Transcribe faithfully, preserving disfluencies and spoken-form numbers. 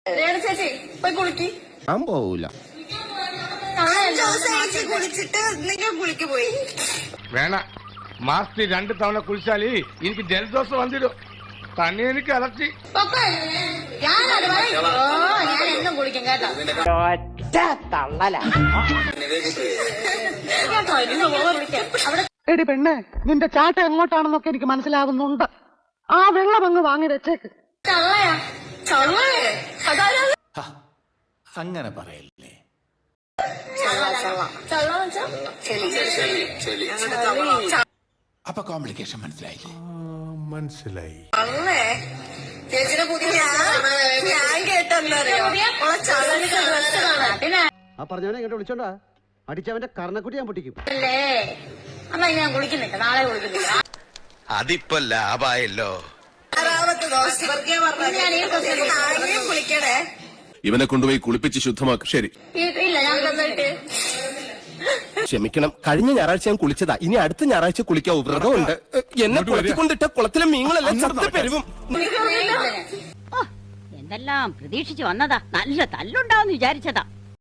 ചേച്ചി പോയി കുളിക്ക്. ഞാൻ പോവൂല. കുളിച്ചിട്ട് നിങ്ങൾ കുളിക്ക് പോയി. വേണ മാസത്തിൽ രണ്ട് തവണ കുളിച്ചാല് എനിക്ക് ജലദോഷം വന്നിരും. തന്നെ എനിക്ക് അലർച്ചി. ഞാൻ എന്നും കുളിക്കും കേട്ടോ. എടി പെണ്ണെ, നിന്റെ ചാട്ട എങ്ങോട്ടാണെന്നൊക്കെ എനിക്ക് മനസ്സിലാകുന്നുണ്ട്. ആ വെള്ളം അങ്ങ് വാങ്ങി വെച്ചേക്ക്. ചള്ളയാ ചള്ളയേ അങ്ങനെ പറയല്ലേ. അപ്പൊ കോംപ്ലിക്കേഷൻ മനസ്സിലായില്ലേ? മനസ്സിലായി. ചേച്ചിയുടെ പുതിയ ഞാൻ കേട്ടെന്നറിയോ ആ പറഞ്ഞവനെ ഇങ്ങോട്ട് വിളിച്ചോണ്ടാ അടിച്ചവന്റെ കർണക്കുട്ടി ഞാൻ പൊട്ടിക്കും. അല്ലേ എന്നാ ഞാൻ കുളിക്കുന്നില്ല, നാളെ കുളിക്കുന്നില്ല. അതിപ്പോ ലാഭായല്ലോ. കുളിക്കണേ. ഇവനെ കൊണ്ടുപോയി കുളിപ്പിച്ച് ശുദ്ധമാക്കും. ശരി. ഇല്ല ഞാൻ തന്നിട്ട്. ക്ഷമിക്കണം, കഴിഞ്ഞ ഞായറാഴ്ച ഞാൻ കുളിച്ചതാ. ഇനി അടുത്ത ഞായറാഴ്ച കുളിക്കാവൂ. വ്രതമുണ്ട്. എന്നെ കുളത്തിക്കൊണ്ടിട്ട കുളത്തിലെ മീനുകളെല്ലാം ചത്തു പെരുവും. എന്തെല്ലാം പ്രതീക്ഷിച്ചു വന്നതാ. നല്ല തല്ലുണ്ടാവും വിചാരിച്ചതാ.